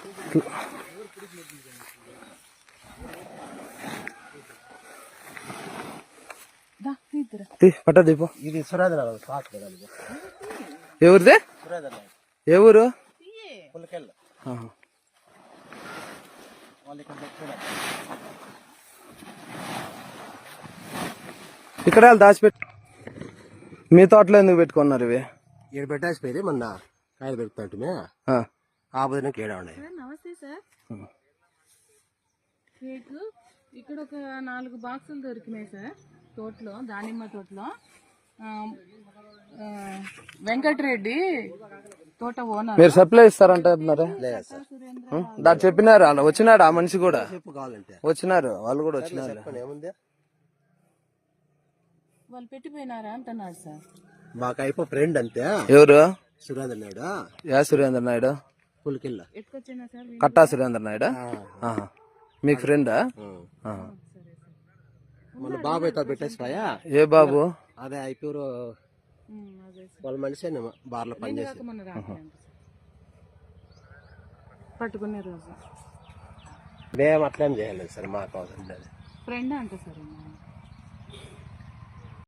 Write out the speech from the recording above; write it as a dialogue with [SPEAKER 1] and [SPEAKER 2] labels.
[SPEAKER 1] పట్ట దీపం.
[SPEAKER 2] ఇది సురేంద్ర
[SPEAKER 1] ఎవరిదే? ఏ ఊరు?
[SPEAKER 2] పుల్లకెళ్ళ.
[SPEAKER 1] ఇక్కడ దాచిపెట్టి మీ తోటలో ఎందుకు పెట్టుకున్నారు ఇవి?
[SPEAKER 2] ఇక్కడ పెట్టేసిపోయి మొన్న కాయలు పెడుతుంటే ఆ బుధనకి ఏడా ఉన్నాయి.
[SPEAKER 3] నమస్తే సార్. కేక్ ఇక్కడ ఒక 4 బాక్సులు దొరికినాయి సార్ తోటలో, దానిమ్మ తోటలో. వెంకటరెడ్డి తోట ఓనర్.
[SPEAKER 1] మీరు సప్లై ఇస్తారంటున్నారా? దాన్ని చెప్పినారు, అలా వచ్చినాడు ఆ మనిషి కూడా. వచ్చినారు వాళ్ళు కూడా వచ్చినారు.
[SPEAKER 3] వాళ్ళు పెట్టిపోయినారా అంటున్నారు సార్.
[SPEAKER 2] మాకు అయిపో ఫ్రెండ్ అంతే.
[SPEAKER 1] ఎవరు?
[SPEAKER 2] సురేంద్ర నాయుడు.
[SPEAKER 1] యా సురేంద్ర నాయుడు?
[SPEAKER 2] పులికిల్ల.
[SPEAKER 3] ఎట్టుకొచ్చినా సార్?
[SPEAKER 1] కట్టా సురేంద్ర నాయుడు మీకు ఫ్రెండా?
[SPEAKER 2] మన బాబు అయితే పెట్టేసిపోయా.
[SPEAKER 1] ఏ బాబు?
[SPEAKER 2] అదే అయిపోయారు వాళ్ళ మనిషి బార్లో పనిచేసి
[SPEAKER 3] పట్టుకునే రోజు
[SPEAKER 2] మేము అట్లేం చేయలేదు సార్. మాకు
[SPEAKER 3] ఫ్రెండ్ అంట సార్.